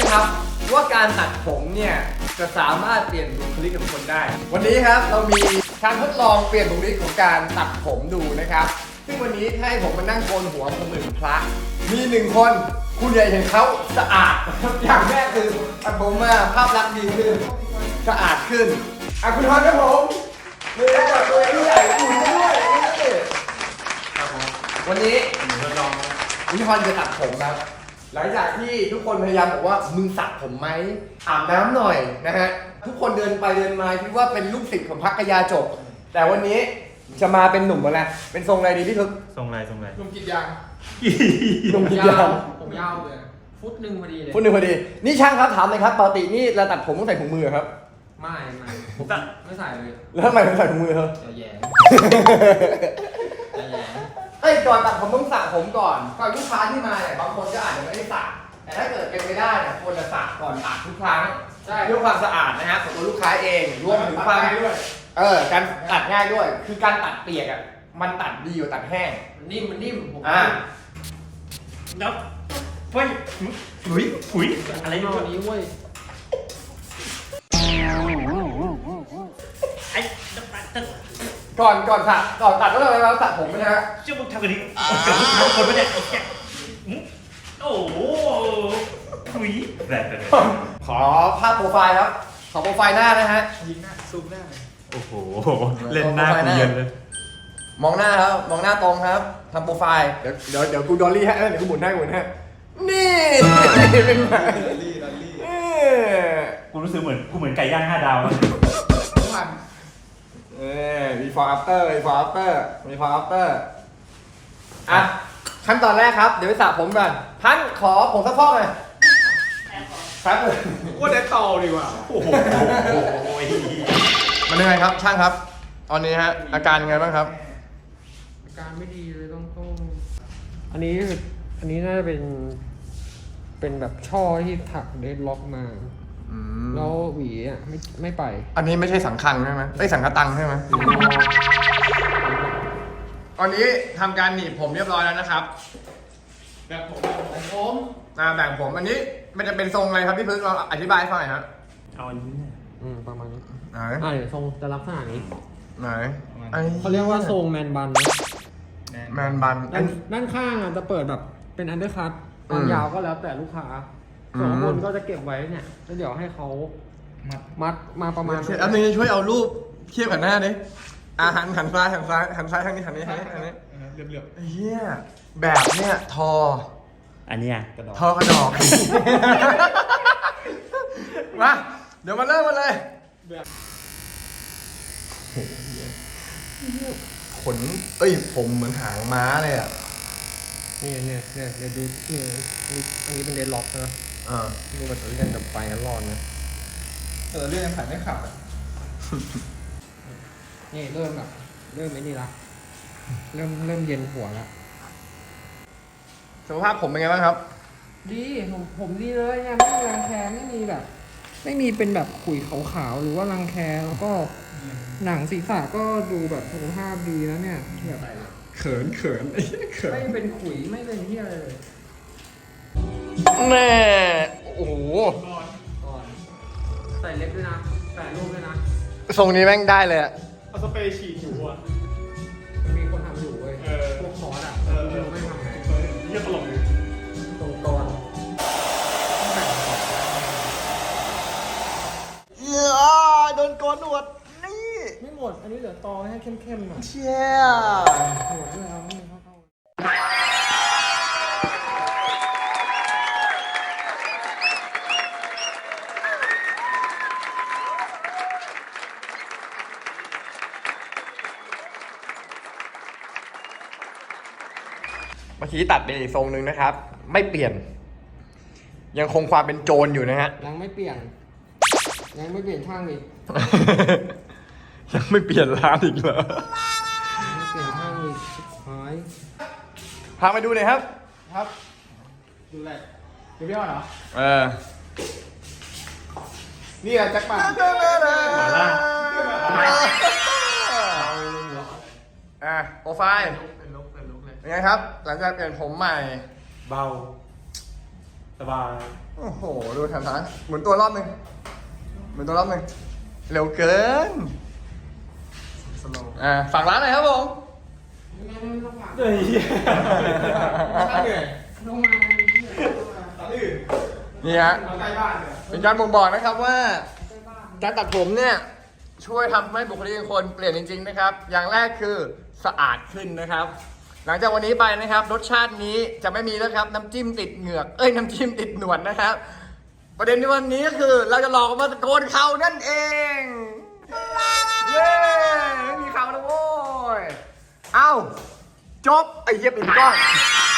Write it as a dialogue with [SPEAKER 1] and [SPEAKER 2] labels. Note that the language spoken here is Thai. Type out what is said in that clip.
[SPEAKER 1] ครับว่าการตัดผมเนี่ยจะสามารถเปลี่ยนบุคลิกของคนได้ วันนี้ครับเรามีการทดลองเปลี่ยนบุคลิกของการตัดผมดูนะครับซึ่งวันนี้ให้ผมมานั่งโกนหัวผมเหมือนพระมีหนึ่งคนคุณอยากเห็นเขาสะอาดอย่างแรกคือตัดผมมาภาพลักษณ์ดีขึ้นสะอาดขึ้นคุณทอนครับผมมือกับตัวเองใหญ่อุ่นด้วยครับผมวันนี้คุณทอนจะตัดผมครับหลังจากที่ทุกคนพยายามบอกว่ามึงสระผมไหมอาบน้ำหน่อยนะฮะทุกคนเดินไปเดินมาคิดว่าเป็นลูกศิษย์ของพักยาจบแต่วันนี้จะมาเป็นหนุ่มอะไรเป็นทรงอะไรดีพี่ทึก
[SPEAKER 2] ทรงอะไร
[SPEAKER 3] หนุ่มกินยาง
[SPEAKER 1] หนุ่มกินยาง
[SPEAKER 3] ผมยาวเลยฟุตหนึ่งพอดีเลย
[SPEAKER 1] ฟุตหนึ่งพอดีนี่ช่างครับถามเลยครับปกตินี่เราตัดผมต้องใส่ถุงมือครับ
[SPEAKER 3] ไม่ไม่ใส่เลย
[SPEAKER 1] แล้วทำไมถึงใส่ถุงมือครับ
[SPEAKER 3] แย่แย่
[SPEAKER 1] ก่อนตัดผมต้องสระผมก่อนลูกค้าที่มาเนี่ยบางคนก็อาจจะไม่ได้สระแต่ถ้าเกิดเป็นไปได้เนี่ยควรจะสระก่อนตัดทุกครั้งเพื่อความสะอาดนะฮะของตัวลูกค้าเองรวมถึงความ
[SPEAKER 3] ด้วย
[SPEAKER 1] การตัดง่ายด้วยคือการตัดเปียกอ่ะมันตัดดีกว่าตัดแห้ง
[SPEAKER 3] มันนิ่มผม
[SPEAKER 2] แล้วเฮ้ยถุยอะไรเนี่ย
[SPEAKER 3] นี้เว้ย
[SPEAKER 2] ไอ้
[SPEAKER 1] ก่อนตัดก็ต้องไปแล้วตัดผมนะฮะ
[SPEAKER 2] เชื่อมึงทำกันดิกับมึงคนไม่ได้โอ้โหถุยแบบ
[SPEAKER 1] ขอภาพโปรไฟล์ครับขอโปรไฟล์หน้านะฮะ
[SPEAKER 3] ยิงหน้าซูมหน้า
[SPEAKER 2] โอ้โหเล่นหน้ากูเย็นเลย
[SPEAKER 1] มองหน้าครับมองหน้าตรงครับทำโปรไฟล์เดี๋ยวกูดอลลี่ฮะเดี๋ยวกูหมุนให้นี่เป็นไง
[SPEAKER 3] ดอลลี่
[SPEAKER 2] กูรู้สึกเหมือนไก่ย่าง5 ดาว
[SPEAKER 3] ทุกวัน
[SPEAKER 1] before after อ่ะขั้นตอนแรกครับเดี๋ยวไปสระผมก่อนพันขอผมสักฟอกหน่อยครับ
[SPEAKER 3] ว่าได้ต่อดีกว่า
[SPEAKER 2] โอ้โห
[SPEAKER 1] มันยังไงครับช่างครับตอนนี้ฮะอาการยังไงบ้างครับ
[SPEAKER 3] อาการไม่ดีเลยต้องอันนี้น่าจะเป็นแบบช่อที่ถักเดดล็อกมาแล้วหวีอ่ะไม่ไป
[SPEAKER 1] อันนี้ไม่ใช่สังคังใช่ไหมสังคตังใช่ไหมตอนนี้ทำการหนีบผมเรียบร้อยแล้วนะครับ
[SPEAKER 3] แบบผม
[SPEAKER 1] แบ่งผมอันนี้มันจะเป็นทรงอะไรครับพี่พึ่งเราอธิบายให้ฟังหน่อยครับ
[SPEAKER 2] เอาอันนี้
[SPEAKER 3] ประมาณนี้
[SPEAKER 1] ไหน
[SPEAKER 3] เดี๋ยวทรงจะลักษณะนี้
[SPEAKER 1] ไหน
[SPEAKER 3] เขาเรียกว่าทรงแมนบัน
[SPEAKER 1] แมนบัน
[SPEAKER 3] ด้านข้างอ่ะจะเปิดแบบเป็นอันเดอร์คัทตอนยาวก็แล้วแต่ลูกค้าส่วนบนก็จะเก็บไว้เนี่ยแล้วเดี๋ยวให้เขามัดมาประมาณ
[SPEAKER 1] อันนี้ช่วยเอารูปเทียบกับหน้าดิหันซ้ายทางนี้เรียบเฮียแบบเนี้ยทอ
[SPEAKER 2] อันนี้
[SPEAKER 1] ทอกระดอกมาเดี๋ยวมาเริ่มกันเลยขนผมเหมือนหางม้าเลยอ่ะ
[SPEAKER 3] เนี่ยดูนี่อันนี้เป็นเดนล็อกนะดูแบบเล่นกับไฟกันร้อนนะ
[SPEAKER 1] เรื่องผ่านไม่ขับ
[SPEAKER 3] นี่เริ่มไอ้นี่ละเริ่มเย็นหัวละ
[SPEAKER 1] สุขภาพผมเป็นไงบ้างครับ
[SPEAKER 3] ดีผมดีเลยเนี่ยไม่มีรังแคไม่มีแบบไม่มีเป็นแบบขุยขาวๆหรือว่ารังแคแล้วก็หนังศีรษะก็ดูแบบสุขภาพดีแล้วเนี่ยแบบ
[SPEAKER 1] เขิน
[SPEAKER 3] ไม่เป็นขุยไม่เป็นที่อะไรเลย
[SPEAKER 1] แม่โอ้โห
[SPEAKER 3] ใส่เล็บด้วยนะใส่ลูกด้วยนะ
[SPEAKER 1] ทรงนี้แม่งได้เลยอะ
[SPEAKER 3] เอาสเปรย์ฉีดอยู่อ่ะมีคนทำอยู่เว้ยพวกคอร์สอ่ะไม่ทำไงเยอะตลกเลยตรงก่อน
[SPEAKER 1] โดนโกนหนวดนี่
[SPEAKER 3] ไม่หมดอันนี้เหลือตอให้เข้มๆหน่อย
[SPEAKER 1] เชี่ย
[SPEAKER 3] หนวดด้วยเอาให้มันเข้า
[SPEAKER 1] เมื่อกี้ตัดไปอีกทรงหนึ่งนะครับไม่เปลี่ยนยังคงความเป็นโจรอยู่นะฮะ
[SPEAKER 3] ยังไม่เปลี่ยนช่างอีก
[SPEAKER 1] ยังไม่เปลี่ยนร้านอีกเหรอ
[SPEAKER 3] ไม่เปลี่ยนช่างอีกหาย
[SPEAKER 1] พาไปดูหน่อยครับ
[SPEAKER 3] ดูอะไรดูพี่อ้อเหรอ
[SPEAKER 1] นี่แหละแจ็คหมา
[SPEAKER 2] ล่า
[SPEAKER 1] โปรไฟล์เป็นลุกเลยเป็นไงครับหลังจากเปลี่ยนผมใหม่
[SPEAKER 2] เบาสบาย
[SPEAKER 1] โอ้โห ดูทางซ้ายหมุนตัวรอบหนึ่งหมุนตัวรอบหนึ่งเร็วเกิน
[SPEAKER 2] สโลว์
[SPEAKER 1] ฝากร้านหน่อยครับผม
[SPEAKER 2] เฮ้ย
[SPEAKER 1] นี่ฮะเป็นการบ่งบอกนะครับว่า การตัดผมเนี่ย ช่วยทำให้บุคลิกของคนเปลี่ยนจริงๆนะครับ อย่างแรกคือสะอาดขึ้นนะครับ หลังจากวันนี้ไปนะครับ รสชาตินี้จะไม่มีแล้วครับ น้ำจิ้มติดเหงือก น้ำจิ้มติดหนวดนะครับ ประเด็นในวันนี้ก็คือเราจะหลอกมาตะโกนเขานั่นเอง เย้ไม่มีเขาแล้วโว้ย เอ้า จบ ไอ้เหี้ยปิดกล้อง